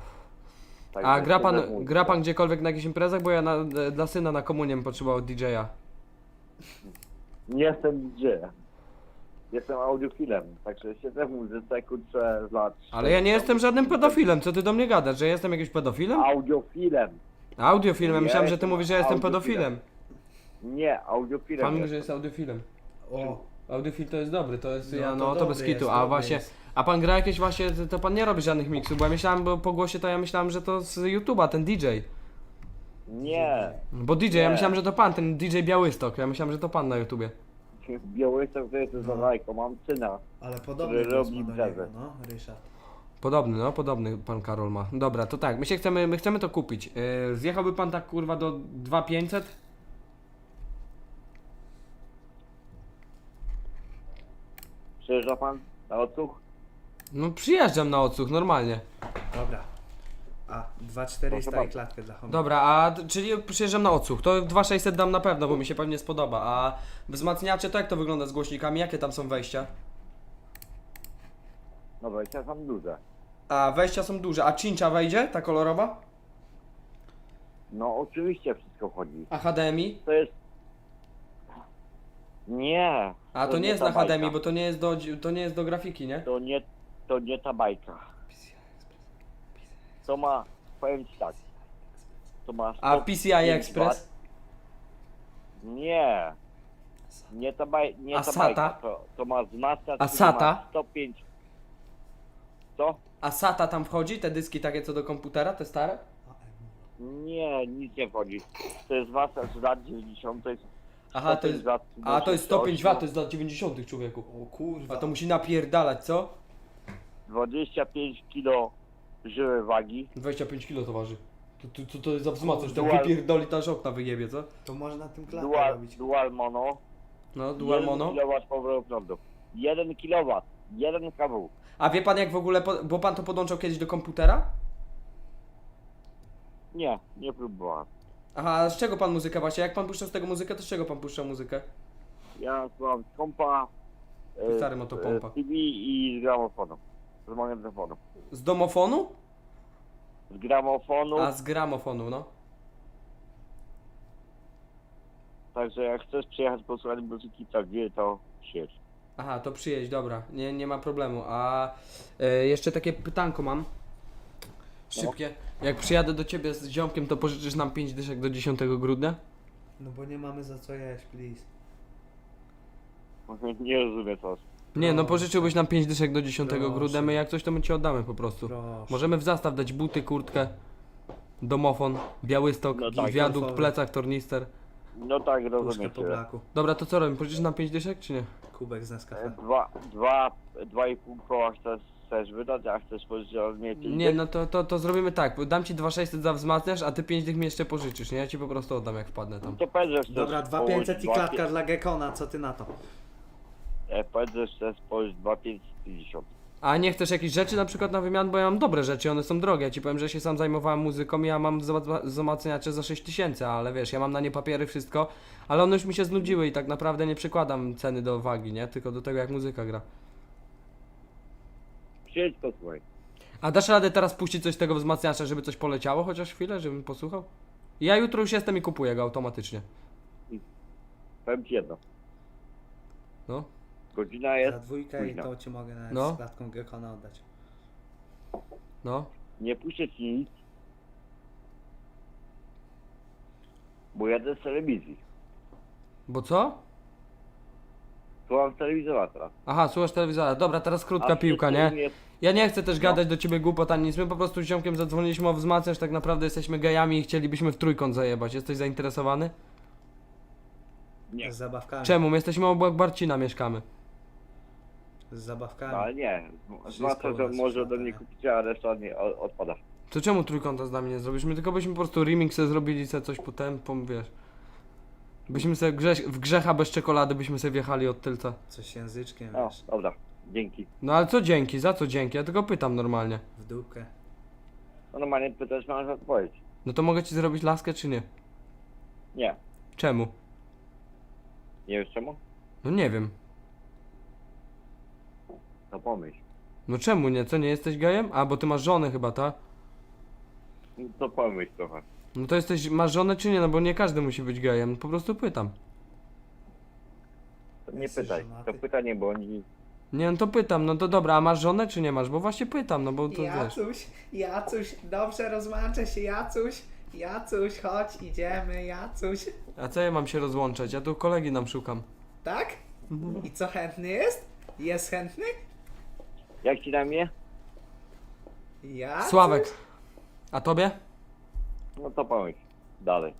[SPEAKER 11] Także
[SPEAKER 1] A gra pan,
[SPEAKER 11] siedzę w muzyce.
[SPEAKER 1] gra pan gdziekolwiek na jakichś imprezach? Bo ja na, dla syna na komunię potrzebował D J a.
[SPEAKER 11] Nie jestem D J. Jestem audiofilem, także siedzę w muzyce, kurczę, z lat...
[SPEAKER 1] Ale ja nie jestem żadnym pedofilem, co ty do mnie gadasz, że jestem jakimś pedofilem?
[SPEAKER 11] Audiofilem.
[SPEAKER 1] Audiofilem, ja
[SPEAKER 11] Nie,
[SPEAKER 1] myślałem, że ty
[SPEAKER 11] jestem
[SPEAKER 1] mówisz, że ja jestem
[SPEAKER 11] audiofilem.
[SPEAKER 1] pedofilem.
[SPEAKER 11] Nie, audiofilem
[SPEAKER 1] Pan mówi,
[SPEAKER 11] jestem.
[SPEAKER 1] że jest audiofilem.
[SPEAKER 2] O,
[SPEAKER 1] Audiofil to jest dobry, to jest,
[SPEAKER 2] No
[SPEAKER 1] ja,
[SPEAKER 2] to
[SPEAKER 1] no to
[SPEAKER 2] dobry
[SPEAKER 1] bez kitu,
[SPEAKER 2] jest,
[SPEAKER 1] a
[SPEAKER 2] dobry
[SPEAKER 1] właśnie,
[SPEAKER 2] jest.
[SPEAKER 1] a pan gra jakieś właśnie, to- to pan nie robi żadnych miksów, bo ja myślałem, bo po głosie to ja myślałem, że to z YouTube'a, ten D J.
[SPEAKER 11] Nie.
[SPEAKER 1] Bo D J, ja
[SPEAKER 11] Nie.
[SPEAKER 1] myślałem, że to pan, ten D J Białystok, ja myślałem, że to pan na YouTubie.
[SPEAKER 11] Białystok to jest za lajko, mam syna.
[SPEAKER 2] ale podobny
[SPEAKER 11] Który
[SPEAKER 2] głos
[SPEAKER 11] robi
[SPEAKER 2] ma do
[SPEAKER 11] imprezę.
[SPEAKER 2] niego, no, Ryszard.
[SPEAKER 1] Podobny, no, podobny pan Karol ma. Dobra, to tak, my się chcemy, my chcemy to kupić. Yy, zjechałby pan tak kurwa do dwa tysiące pięćset?
[SPEAKER 11] Przyjeżdża pan na odsłuch?
[SPEAKER 1] No przyjeżdżam na odsłuch, normalnie.
[SPEAKER 2] Dobra. A, dwa czterysta
[SPEAKER 11] Proszę
[SPEAKER 2] i klatkę dla homy.
[SPEAKER 1] Dobra, a d- czyli przyjeżdżam na odsłuch, to dwa tysiące sześćset dam na pewno, bo mi się pewnie spodoba. A wzmacniacze to jak to wygląda z głośnikami, jakie tam są wejścia?
[SPEAKER 11] Dobra, ja mam duże.
[SPEAKER 1] A wejścia są duże, a cincha wejdzie, ta kolorowa?
[SPEAKER 11] No oczywiście wszystko wchodzi.
[SPEAKER 1] A H D M I?
[SPEAKER 11] To jest... Nie.
[SPEAKER 1] A to, nie jest
[SPEAKER 11] ta
[SPEAKER 1] na H D M I,
[SPEAKER 11] bajka.
[SPEAKER 1] bo to nie jest do, to nie jest do grafiki, nie?
[SPEAKER 11] To nie, to nie ta bajka. To ma, powiem ci tak. To ma
[SPEAKER 1] A
[SPEAKER 11] sto
[SPEAKER 1] P C I
[SPEAKER 11] pięć
[SPEAKER 1] Express?
[SPEAKER 11] wat. Nie. Nie ta, baj, nie
[SPEAKER 1] A
[SPEAKER 11] ta
[SPEAKER 1] SATA?
[SPEAKER 11] bajka. To, to ma wzmacniacz,
[SPEAKER 1] A
[SPEAKER 11] który
[SPEAKER 1] SATA?
[SPEAKER 11] ma sto pięć. Co?
[SPEAKER 1] A SATA tam wchodzi, te dyski takie co do komputera, te stare?
[SPEAKER 11] Nie, nic nie wchodzi. To jest wzmacniacz z lat dziewięćdziesiątych.
[SPEAKER 1] Aha, to jest, a to jest sto pięć watów, to jest z lat dziewięćdziesiątych człowieku.
[SPEAKER 2] O kurwa.
[SPEAKER 1] A to musi napierdalać, co?
[SPEAKER 11] dwadzieścia pięć kilo żyły wagi.
[SPEAKER 1] dwadzieścia pięć kilo to waży. To, to, to, to jest za wzmacniacz, tak
[SPEAKER 11] Dual-
[SPEAKER 1] wypierdoli ta okna wyjebie, co?
[SPEAKER 2] To można tym klatkę
[SPEAKER 11] Dual,
[SPEAKER 2] robić.
[SPEAKER 11] dual mono.
[SPEAKER 1] No, dual mono.
[SPEAKER 11] jeden kilowatt powrotu prądu. jeden kilowat. jeden kawał.
[SPEAKER 1] A wie pan jak w ogóle, po, bo pan to podłączał kiedyś do komputera?
[SPEAKER 11] Nie, nie próbowałem.
[SPEAKER 1] Aha, a z czego pan muzykę właśnie? Jak pan puszczał z tego muzykę, to z czego pan puszczał muzykę?
[SPEAKER 11] Ja słucham z kompa, e,
[SPEAKER 1] Stary motopompa.
[SPEAKER 11] z T V i z gramofonu. Z magnetofonu.
[SPEAKER 1] Z domofonu?
[SPEAKER 11] Z gramofonu,
[SPEAKER 1] A z gramofonu, no.
[SPEAKER 11] także jak chcesz przyjechać posłuchać muzyki tak wie, to siedź.
[SPEAKER 1] Aha, to przyjedź, dobra, nie, nie ma problemu. A e, jeszcze takie pytanko mam. Szybkie. Jak przyjadę do ciebie z ziomkiem, to pożyczysz nam pięć dyszek do dziesiątego grudnia?
[SPEAKER 2] No bo nie mamy za co jeść, please.
[SPEAKER 11] Nie rozumiem co.
[SPEAKER 1] Nie, no
[SPEAKER 2] Proszę.
[SPEAKER 1] pożyczyłbyś nam pięć dyszek do dziesiątego
[SPEAKER 2] Proszę.
[SPEAKER 1] grudnia, my jak coś to my ci oddamy po prostu.
[SPEAKER 2] Proszę.
[SPEAKER 1] Możemy w zastaw dać buty, kurtkę, domofon, Białystok,
[SPEAKER 11] No tak,
[SPEAKER 1] wiadukt,
[SPEAKER 2] golfowy.
[SPEAKER 1] plecak, tornister.
[SPEAKER 11] No tak,
[SPEAKER 2] Puszkę
[SPEAKER 11] rozumiem
[SPEAKER 2] po
[SPEAKER 11] cię.
[SPEAKER 2] blaku.
[SPEAKER 1] Dobra, to co robimy? Pożyczysz nam pięć dyszek, czy nie?
[SPEAKER 2] Kubek z
[SPEAKER 11] E,
[SPEAKER 2] Nescafe.
[SPEAKER 11] Dwa, dwa, dwa i pół koła chcesz, chcesz wydać, a chcesz pożyczyć od mnie pięć
[SPEAKER 1] Nie,
[SPEAKER 11] dych?
[SPEAKER 1] no to, to, to zrobimy tak, bo dam ci dwa tysiące sześćset za wzmacniasz, a ty pięć dych mi jeszcze pożyczysz, nie? Ja ci po prostu oddam jak wpadnę tam.
[SPEAKER 11] To powiedz, że chcesz
[SPEAKER 2] Dobra, dwa
[SPEAKER 11] położyć
[SPEAKER 2] pięćset i
[SPEAKER 11] dwa
[SPEAKER 2] klatka
[SPEAKER 11] pie-
[SPEAKER 2] dla Gekona, co ty na to?
[SPEAKER 11] E, powiedz, że chcesz położyć dwa pięćset pięćdziesiąt.
[SPEAKER 1] A nie chcesz jakichś rzeczy na przykład na wymian, bo ja mam dobre rzeczy, one są drogie. Ja ci powiem, że się sam zajmowałem muzyką i ja mam wzma- wzmacniacze za sześć tysięcy, ale wiesz, ja mam na nie papiery, wszystko, ale one już mi się znudziły i tak naprawdę nie przykładam ceny do wagi, nie? Tylko do tego jak muzyka gra.
[SPEAKER 11] Przyjedź posłuchaj.
[SPEAKER 1] A dasz radę teraz puścić coś z tego wzmacniacza, żeby coś poleciało chociaż chwilę, żebym posłuchał? Ja jutro już jestem i kupuję go automatycznie.
[SPEAKER 11] Powiem ci jedno.
[SPEAKER 1] No.
[SPEAKER 11] Godzina
[SPEAKER 2] Za
[SPEAKER 11] jest
[SPEAKER 2] dwójkę i
[SPEAKER 11] późna.
[SPEAKER 2] to ci mogę nawet
[SPEAKER 1] No.
[SPEAKER 2] z klatką Gekona oddać.
[SPEAKER 1] No.
[SPEAKER 11] Nie puszczę ci nic. Bo jadę z telewizji.
[SPEAKER 1] Bo co?
[SPEAKER 11] Słucham telewizora teraz.
[SPEAKER 1] Aha, słuchasz telewizora. Dobra, teraz krótka
[SPEAKER 11] A
[SPEAKER 1] piłka, nie?
[SPEAKER 11] wszystkim Jest...
[SPEAKER 1] Ja nie chcę też
[SPEAKER 11] No.
[SPEAKER 1] gadać do ciebie głupot ani nic. My po prostu z ziomkiem zadzwoniliśmy o wzmacniacz, tak naprawdę jesteśmy gejami i chcielibyśmy w trójkąt zajebać. Jesteś zainteresowany?
[SPEAKER 11] Nie.
[SPEAKER 2] Z zabawkami.
[SPEAKER 1] Czemu? My jesteśmy obok Barcina, mieszkamy.
[SPEAKER 2] Z zabawkami.
[SPEAKER 11] No, ale nie.
[SPEAKER 2] Wszystko
[SPEAKER 11] Zwłaszcza,
[SPEAKER 2] u
[SPEAKER 11] że
[SPEAKER 2] nas
[SPEAKER 11] może
[SPEAKER 2] świata,
[SPEAKER 11] do mnie
[SPEAKER 2] nie?
[SPEAKER 11] kupić, a reszta nie o- odpada.
[SPEAKER 1] To czemu trójkąta z nami nie zrobisz? My tylko byśmy po prostu remix sobie zrobili, sobie coś potem, pom, wiesz. Byśmy sobie grze w grzecha bez czekolady byśmy sobie wjechali od tylca.
[SPEAKER 2] Coś języczkiem,
[SPEAKER 11] O,
[SPEAKER 2] wiesz.
[SPEAKER 11] dobra. Dzięki.
[SPEAKER 1] No ale co dzięki? Za co dzięki? Ja tylko pytam normalnie.
[SPEAKER 2] W dupkę.
[SPEAKER 11] No normalnie pytasz, masz odpowiedź.
[SPEAKER 1] No to mogę ci zrobić laskę czy nie?
[SPEAKER 11] Nie.
[SPEAKER 1] Czemu?
[SPEAKER 11] Nie wiesz czemu?
[SPEAKER 1] No nie wiem.
[SPEAKER 11] No pomyśl.
[SPEAKER 1] No czemu nie? Co, nie jesteś gejem? A, bo ty masz żonę chyba, ta?
[SPEAKER 11] No to pomyśl trochę.
[SPEAKER 1] No to jesteś, masz żonę czy nie? No bo nie każdy musi być gejem, po prostu pytam.
[SPEAKER 11] To nie
[SPEAKER 2] Jesteś
[SPEAKER 11] pytaj.
[SPEAKER 2] żonaty?
[SPEAKER 11] To pytanie, bo oni...
[SPEAKER 1] Nie, no to pytam, no to dobra, a masz żonę czy nie masz? Bo właśnie pytam, no bo to wiesz.
[SPEAKER 2] Jacuś, Jacuś, dobrze rozłączę się, Jacuś. Jacuś, chodź, idziemy, Jacuś.
[SPEAKER 1] A co ja mam się rozłączać? Ja tu kolegi nam szukam.
[SPEAKER 2] Tak? I co, chętny jest? Jest chętny?
[SPEAKER 11] Jak ci na mnie?
[SPEAKER 2] Ja?
[SPEAKER 1] Sławek. A tobie?
[SPEAKER 11] No to pomyśl. Dalej.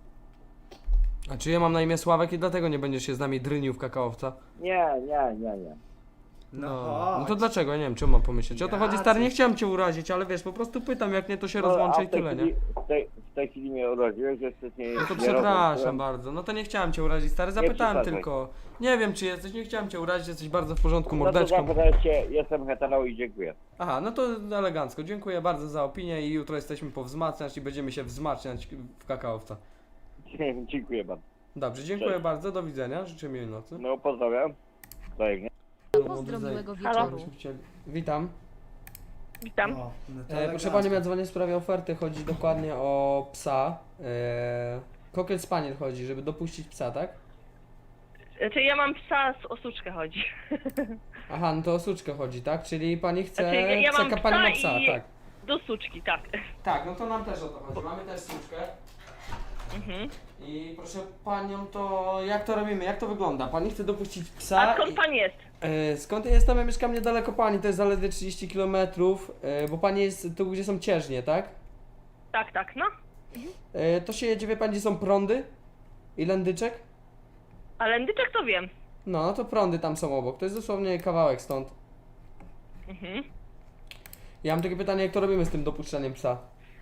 [SPEAKER 1] A czy ja mam na imię Sławek i dlatego nie będziesz się z nami drynił w kakaowca?
[SPEAKER 11] Nie, nie, nie, nie.
[SPEAKER 2] No,
[SPEAKER 1] no to
[SPEAKER 2] chodź.
[SPEAKER 1] dlaczego? Ja nie wiem, czym mam pomyśleć. O to chodzi, stary, nie
[SPEAKER 2] Jacyś.
[SPEAKER 1] chciałem cię urazić, ale wiesz, po prostu pytam, jak nie, to się
[SPEAKER 11] No,
[SPEAKER 1] rozłączę
[SPEAKER 11] a
[SPEAKER 1] i
[SPEAKER 11] w tej
[SPEAKER 1] tyle, nie?
[SPEAKER 11] chwili- W tej, w tej chwili mnie urodziłeś, że wcześniej
[SPEAKER 1] No to
[SPEAKER 11] nie
[SPEAKER 1] przepraszam
[SPEAKER 11] rozłączyłem.
[SPEAKER 1] bardzo, no to nie chciałem cię urazić, stary, zapytałem
[SPEAKER 11] przesadzaj.
[SPEAKER 1] tylko. Nie wiem, czy jesteś, nie chciałem cię urazić, jesteś bardzo w porządku,
[SPEAKER 11] No to
[SPEAKER 1] mordeczką.
[SPEAKER 11] zapytałem się, jestem hetero i dziękuję.
[SPEAKER 1] Aha, no to elegancko, dziękuję bardzo za opinię i jutro jesteśmy powzmacniać i będziemy się wzmacniać w kakaowca.
[SPEAKER 11] Dziękuję bardzo.
[SPEAKER 1] Dobrze, dziękuję
[SPEAKER 11] Cześć.
[SPEAKER 1] bardzo, do widzenia, życzę miłej nocy.
[SPEAKER 11] No pozdrawiam. Wzajemnie.
[SPEAKER 1] Pozdro
[SPEAKER 9] miłego
[SPEAKER 5] Halo?
[SPEAKER 9] wieczoru.
[SPEAKER 1] Witam.
[SPEAKER 5] Witam.
[SPEAKER 2] O, no to
[SPEAKER 1] E, proszę
[SPEAKER 2] elegancko.
[SPEAKER 1] Pani, ja dzwonię w sprawie oferty, chodzi dokładnie o psa. E, Cocker Spaniel chodzi, żeby dopuścić psa, tak?
[SPEAKER 5] Czy ja mam psa, z osuczkę chodzi.
[SPEAKER 1] Aha, no to o suczkę chodzi, tak? Czyli Pani chce,
[SPEAKER 5] Znaczy, ja- ja
[SPEAKER 1] chce
[SPEAKER 5] mam
[SPEAKER 1] pani ma
[SPEAKER 5] psa
[SPEAKER 1] psa,
[SPEAKER 5] i-
[SPEAKER 1] tak.
[SPEAKER 5] Do suczki, tak.
[SPEAKER 1] Tak, no to nam też o to chodzi, mamy też suczkę.
[SPEAKER 5] Mhm.
[SPEAKER 1] I proszę Panią, to jak to robimy, jak to wygląda? Pani chce dopuścić psa
[SPEAKER 5] A skąd
[SPEAKER 1] i...
[SPEAKER 5] pan jest?
[SPEAKER 1] E, skąd ja jestem? Ja mieszkam niedaleko Pani, to jest zaledwie trzydzieści kilometrów, e, bo Pani jest tu, gdzie są cieżnie, tak?
[SPEAKER 5] Tak, tak, no.
[SPEAKER 1] E, to się jedzie, wie Pani, gdzie są prądy i lędyczek?
[SPEAKER 5] A lędyczek to wiem.
[SPEAKER 1] No, no to prądy tam są obok, to jest dosłownie kawałek stąd.
[SPEAKER 5] Mhm.
[SPEAKER 1] Ja mam takie pytanie, jak to robimy z tym dopuszczaniem psa?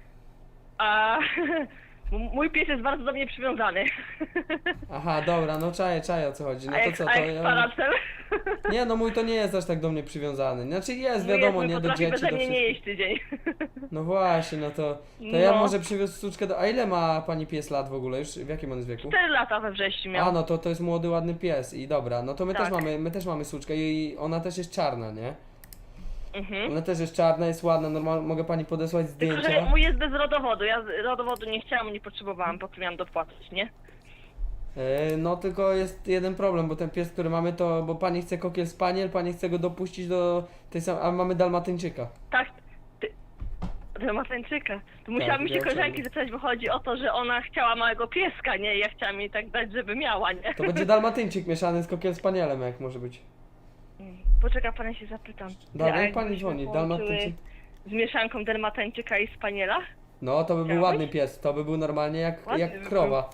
[SPEAKER 5] A m- mój pies jest bardzo do mnie przywiązany.
[SPEAKER 1] Aha, dobra, no czaję, czaję o co chodzi. No
[SPEAKER 5] A
[SPEAKER 1] to
[SPEAKER 5] jak,
[SPEAKER 1] co,
[SPEAKER 5] a
[SPEAKER 1] to
[SPEAKER 5] jak
[SPEAKER 1] ja...
[SPEAKER 5] z paracel?
[SPEAKER 1] Nie, no mój to nie jest aż tak do mnie przywiązany. Znaczy jest,
[SPEAKER 5] Mój
[SPEAKER 1] wiadomo,
[SPEAKER 5] jest,
[SPEAKER 1] nie do
[SPEAKER 5] potrafi
[SPEAKER 1] dzieci,
[SPEAKER 5] beze
[SPEAKER 1] do
[SPEAKER 5] mnie nie
[SPEAKER 1] wszystkich.
[SPEAKER 5] jeść tydzień.
[SPEAKER 1] No właśnie, no to, to ja
[SPEAKER 5] No.
[SPEAKER 1] może przywiózł suczkę do... A ile ma pani pies lat w ogóle już? W jakim on jest wieku?
[SPEAKER 5] Cztery lata we wrześniu miał.
[SPEAKER 1] A, no to to jest młody, ładny pies i dobra, no to my
[SPEAKER 5] Tak.
[SPEAKER 1] też mamy, my też mamy suczkę i ona też jest czarna, nie?
[SPEAKER 5] Mhm.
[SPEAKER 1] Ona też jest czarna, jest ładna, normalnie mogę pani podesłać
[SPEAKER 5] Tylko, że
[SPEAKER 1] zdjęcia.
[SPEAKER 5] mój jest bez rodowodu. Ja z- rodowodu nie chciałam, nie potrzebowałam, po co miałam dopłacać, nie?
[SPEAKER 1] E, No tylko jest jeden problem, bo ten pies, który mamy to, bo pani chce Cocker Spaniel, pani chce go dopuścić do tej samej, a mamy Dalmatyńczyka.
[SPEAKER 5] Tak, ty... Dalmatyńczyka. To musiałabym się
[SPEAKER 1] ja
[SPEAKER 5] koleżanki
[SPEAKER 1] chciałbym.
[SPEAKER 5] zapytać, bo chodzi o to, że ona chciała małego pieska, nie? Ja chciałam jej tak dać, żeby miała, nie?
[SPEAKER 1] To będzie Dalmatyńczyk mieszany z Cocker Spanielem, jak może być.
[SPEAKER 5] Poczeka, pana się zapytam.
[SPEAKER 1] Dobra,
[SPEAKER 5] A
[SPEAKER 1] niech pani
[SPEAKER 5] jakbyśmy
[SPEAKER 1] dzwoni,
[SPEAKER 5] połączyły
[SPEAKER 1] Dalmatyńczyk.
[SPEAKER 5] Z mieszanką Dalmatyńczyka i Spaniela?
[SPEAKER 1] No to by był
[SPEAKER 5] Chciałbyś?
[SPEAKER 1] ładny pies, to by był normalnie jak,
[SPEAKER 5] Ładny
[SPEAKER 1] jak
[SPEAKER 5] by
[SPEAKER 1] krowa.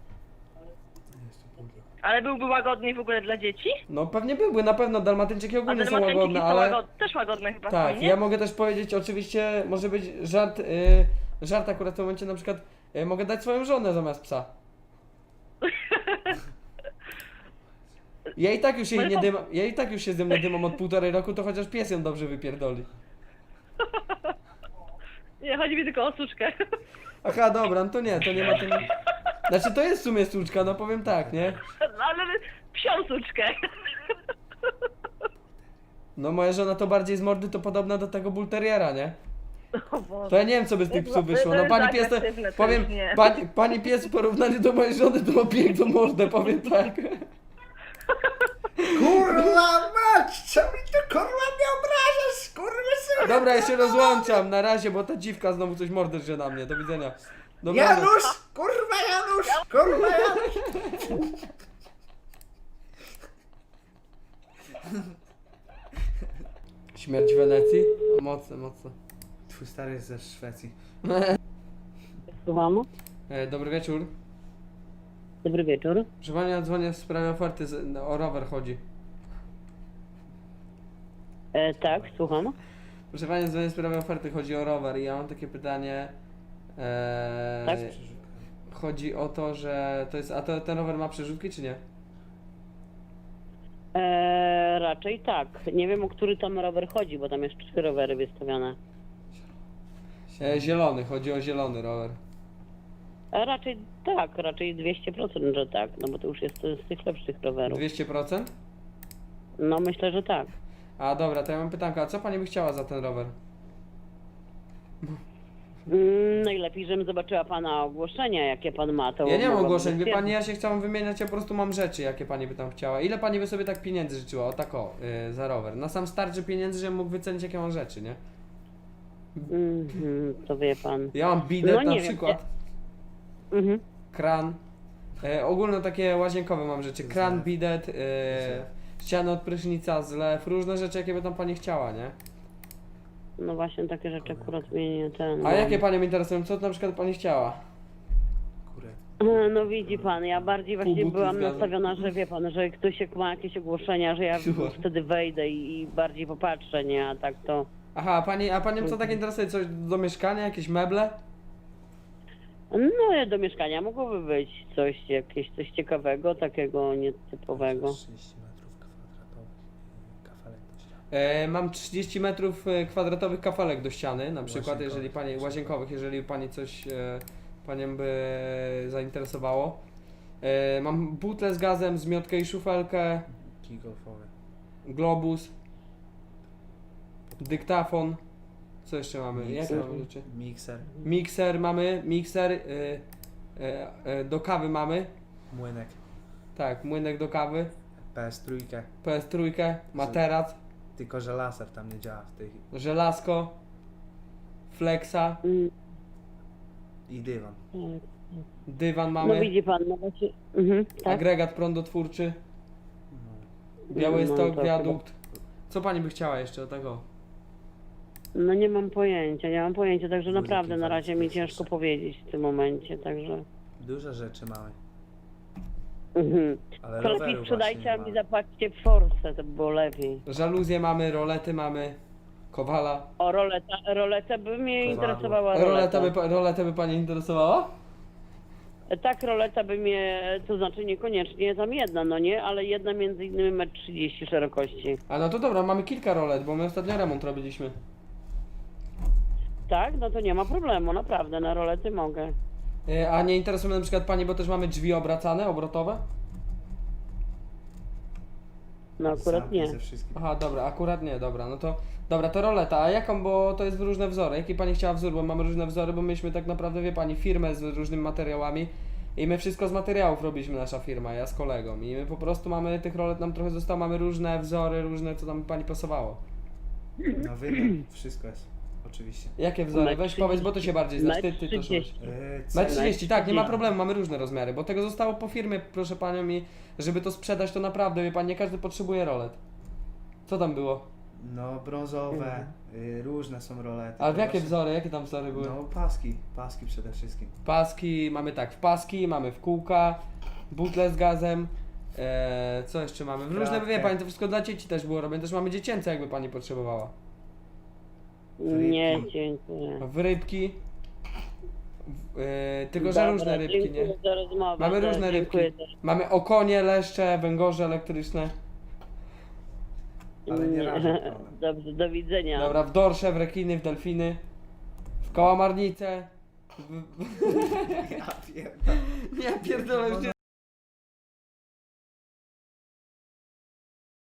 [SPEAKER 5] Ale byłby łagodny w ogóle dla dzieci?
[SPEAKER 1] No pewnie byłby, na pewno Dalmatyńczyki
[SPEAKER 5] A
[SPEAKER 1] ogólnie są
[SPEAKER 5] Dalmatyńczyki
[SPEAKER 1] łagodne,
[SPEAKER 5] są
[SPEAKER 1] ale...
[SPEAKER 5] łagod... też łagodne chyba
[SPEAKER 1] Tak,
[SPEAKER 5] są, nie?
[SPEAKER 1] ja mogę też powiedzieć, oczywiście może być żart, y, żart akurat w tym momencie, na przykład y, mogę dać swoją żonę zamiast psa. Ja i tak już jej
[SPEAKER 5] Ale
[SPEAKER 1] nie
[SPEAKER 5] to-
[SPEAKER 1] dymam, ja i tak już się ze mnie dymam od półtorej roku, to chociaż pies ją dobrze wypierdoli.
[SPEAKER 5] Nie, chodzi mi tylko o suczkę.
[SPEAKER 1] Aha, dobra, no to nie, to nie ma tym... Znaczy to jest w sumie suczka, no powiem tak, nie?
[SPEAKER 5] Ale psią suczkę.
[SPEAKER 1] No moja żona to bardziej z mordy to podobna do tego bulteriera, nie?
[SPEAKER 5] O Boże.
[SPEAKER 1] To ja nie wiem co by z tych psów wyszło, no
[SPEAKER 5] To
[SPEAKER 1] pani
[SPEAKER 5] jest
[SPEAKER 1] pies to...
[SPEAKER 5] agresywne, to
[SPEAKER 1] Powiem,
[SPEAKER 5] już nie.
[SPEAKER 1] pani, pani pies w porównaniu do mojej żony to ma piękną mordę, powiem tak.
[SPEAKER 2] Kurwa mać, co mi to kurwa nie obrażasz, kurwa syn.
[SPEAKER 1] Dobra, ja się rozłączam, na razie, bo ta dziwka znowu coś mordę drze na mnie, do widzenia. Dobranoc.
[SPEAKER 2] Janusz, kurwa Janusz, kurwa Janusz.
[SPEAKER 1] Śmierć w Wenecji? O, mocne, mocne.
[SPEAKER 2] Twój stary jest ze Szwecji.
[SPEAKER 7] Słucham?
[SPEAKER 1] E, dobry wieczór.
[SPEAKER 7] Dobry wieczór.
[SPEAKER 1] Proszę pani, ja dzwonię w sprawie oferty, z, no, o rower chodzi.
[SPEAKER 7] E, tak, słucham.
[SPEAKER 1] Proszę pani, dzwonię w sprawie oferty, chodzi o rower i ja mam takie pytanie. E,
[SPEAKER 7] Tak?
[SPEAKER 1] Chodzi o to, że to jest, a to, ten rower ma przerzutki czy nie?
[SPEAKER 7] E, raczej tak. Nie wiem, o który tam rower chodzi, bo tam jest trzy rowery wystawione.
[SPEAKER 1] E, zielony, chodzi o zielony rower.
[SPEAKER 7] E, raczej tak, raczej dwieście procent, że tak, no bo to już jest z tych lepszych rowerów.
[SPEAKER 1] dwieście procent?
[SPEAKER 7] No myślę, że tak.
[SPEAKER 1] A dobra, to ja mam pytankę, a co pani by chciała za ten rower?
[SPEAKER 9] Mm, najlepiej, żebym zobaczyła pana ogłoszenia, jakie pan ma, to
[SPEAKER 1] Ja nie mam
[SPEAKER 9] mogłabym
[SPEAKER 1] ogłoszeń, wie
[SPEAKER 9] stwierdzić.
[SPEAKER 1] pani, ja się chciałam wymieniać, ja po prostu mam rzeczy, jakie pani by tam chciała. Ile pani by sobie tak pieniędzy życzyła? O tak o, yy, za rower. Na sam starczy pieniędzy, żebym mógł wycenić, jakie mam rzeczy, nie?
[SPEAKER 9] Mhm, to wie pan.
[SPEAKER 1] Ja mam bidet
[SPEAKER 9] No nie
[SPEAKER 1] na
[SPEAKER 9] wiem,
[SPEAKER 1] przykład,
[SPEAKER 9] Mhm.
[SPEAKER 1] kran. E, ogólno takie łazienkowe mam rzeczy. Kran, bidet, e, ściany od prysznica, zlew, różne rzeczy, jakie by tam pani chciała, nie?
[SPEAKER 9] No właśnie, takie rzeczy akurat mnie nie ten...
[SPEAKER 1] A jakie panią interesują? Co na przykład pani chciała?
[SPEAKER 9] E, No widzi pan, ja bardziej właśnie
[SPEAKER 1] butli
[SPEAKER 9] byłam
[SPEAKER 1] z gazem.
[SPEAKER 9] nastawiona, że wie pan, że ktoś jak ma jakieś ogłoszenia, że ja
[SPEAKER 1] Super.
[SPEAKER 9] wtedy wejdę i, i bardziej popatrzę, nie? A tak to...
[SPEAKER 1] Aha, a pani, a panią co tak interesuje? Coś do mieszkania? Jakieś meble?
[SPEAKER 9] No do mieszkania mogłoby być coś, jakieś coś ciekawego, takiego nietypowego.
[SPEAKER 1] E, mam trzydzieści metrów e, kwadratowych kafelek do ściany, na przykład,
[SPEAKER 12] Łazienkowych,
[SPEAKER 1] jeżeli pani,
[SPEAKER 12] łazienkowych.
[SPEAKER 1] łazienkowych, jeżeli pani coś e, panią by zainteresowało. E, mam butlę z gazem, zmiotkę i szufelkę,
[SPEAKER 12] Kij golfowy.
[SPEAKER 1] globus, dyktafon. Co jeszcze mamy? Jakie mamy rzeczy?
[SPEAKER 12] Mikser,
[SPEAKER 1] Mikser mamy, mikser, e, e, e, do kawy mamy,
[SPEAKER 12] młynek,
[SPEAKER 1] tak, młynek do kawy,
[SPEAKER 12] P S trzy,
[SPEAKER 1] P S trzy, materac,
[SPEAKER 12] tylko że laser tam nie działa w tej...
[SPEAKER 1] żelazko, flexa,
[SPEAKER 9] Mm,
[SPEAKER 12] i dywan.
[SPEAKER 9] tak.
[SPEAKER 1] dywan
[SPEAKER 9] No
[SPEAKER 1] mamy,
[SPEAKER 9] widzi pan, no właśnie... Mhm, tak?
[SPEAKER 1] agregat prądotwórczy,
[SPEAKER 12] No.
[SPEAKER 1] Białystok,
[SPEAKER 9] No, to
[SPEAKER 1] wiadukt. Co pani by chciała jeszcze o tego?
[SPEAKER 9] No nie mam pojęcia, nie mam pojęcia, także
[SPEAKER 12] Wózek
[SPEAKER 9] naprawdę na razie mi
[SPEAKER 12] inwalidzki
[SPEAKER 9] ciężko
[SPEAKER 12] jeszcze.
[SPEAKER 9] powiedzieć w tym momencie, także...
[SPEAKER 12] Dużo rzeczy mamy,
[SPEAKER 9] Mhm.
[SPEAKER 12] ale
[SPEAKER 9] To lepiej
[SPEAKER 12] roweru
[SPEAKER 9] sprzedajcie,
[SPEAKER 12] właśnie
[SPEAKER 9] a
[SPEAKER 12] nie
[SPEAKER 9] mi
[SPEAKER 12] mamy.
[SPEAKER 9] zapłaćcie w Force, to by było lepiej.
[SPEAKER 1] Żaluzje mamy, rolety mamy, kowala.
[SPEAKER 9] O, roleta, roleta by mnie
[SPEAKER 12] Kowadło.
[SPEAKER 9] interesowała
[SPEAKER 1] Roleta
[SPEAKER 9] roleta.
[SPEAKER 1] by, pa- roletę by pani interesowała?
[SPEAKER 9] Tak, roleta by mnie, to znaczy niekoniecznie tam jedna, no nie, ale jedna między innymi metr trzydzieści szerokości.
[SPEAKER 1] A no to dobra, mamy kilka rolet, bo my ostatnio remont robiliśmy.
[SPEAKER 9] Tak? No to nie ma problemu, naprawdę, na rolety mogę.
[SPEAKER 1] E, A nie interesuje mnie na przykład pani, bo też mamy drzwi obracane, obrotowe?
[SPEAKER 9] No akurat
[SPEAKER 12] Zamki
[SPEAKER 9] nie.
[SPEAKER 12] ze wszystkim.
[SPEAKER 1] Aha, dobra, akurat nie, dobra, no to... Dobra, to roleta, a jaką, bo to jest w różne wzory. Jaki pani chciała wzór, bo mamy różne wzory, bo myśmy tak naprawdę, wie pani, firmę z różnymi materiałami i my wszystko z materiałów robiliśmy, nasza firma, ja z kolegą i my po prostu mamy, tych rolet nam trochę zostało, mamy różne wzory, różne, co tam pani pasowało.
[SPEAKER 12] Na wymiar, wszystko jest, oczywiście.
[SPEAKER 1] Jakie wzory?
[SPEAKER 9] Metr
[SPEAKER 1] Weź powiedz, bo to się bardziej znasz, ty, ty to
[SPEAKER 9] trzydzieści.
[SPEAKER 1] szłeś.
[SPEAKER 12] Yy,
[SPEAKER 1] Metr
[SPEAKER 12] cena-
[SPEAKER 1] trzydzieści, tak, nie ma
[SPEAKER 9] trzydzieści.
[SPEAKER 1] problemu, mamy różne rozmiary, bo tego zostało po firmie, proszę panią, i żeby to sprzedać, to naprawdę, wie pan, nie każdy potrzebuje rolet. Co tam było?
[SPEAKER 12] No brązowe, yy, różne są rolety.
[SPEAKER 1] Ale w
[SPEAKER 12] To
[SPEAKER 1] jakie
[SPEAKER 12] właśnie-
[SPEAKER 1] wzory, jakie tam wzory były?
[SPEAKER 12] No paski, paski przede wszystkim.
[SPEAKER 1] Paski, mamy tak, w paski, mamy w kółka, butle z gazem, e, co jeszcze mamy? W różne,
[SPEAKER 12] Kratkę.
[SPEAKER 1] wie pani, to wszystko dla dzieci też było robione, też mamy dziecięce, jakby pani potrzebowała.
[SPEAKER 9] Nie,
[SPEAKER 12] Rybki.
[SPEAKER 9] dziękuję.
[SPEAKER 1] W rybki, w, e, tylko że
[SPEAKER 9] Dobra,
[SPEAKER 1] różne rybki, nie?
[SPEAKER 9] dziękuję za rozmowę.
[SPEAKER 1] Mamy
[SPEAKER 9] za-
[SPEAKER 1] różne rybki.
[SPEAKER 9] dziękuję za-
[SPEAKER 1] Mamy okonie, leszcze, węgorze elektryczne.
[SPEAKER 12] Ale nie rażą one.
[SPEAKER 9] Dobrze, do widzenia.
[SPEAKER 1] Dobra, w dorsze, w rekiny, w delfiny, w kałamarnice. W...
[SPEAKER 12] Ja pierdolę.
[SPEAKER 1] Nie, pierdolę, już nie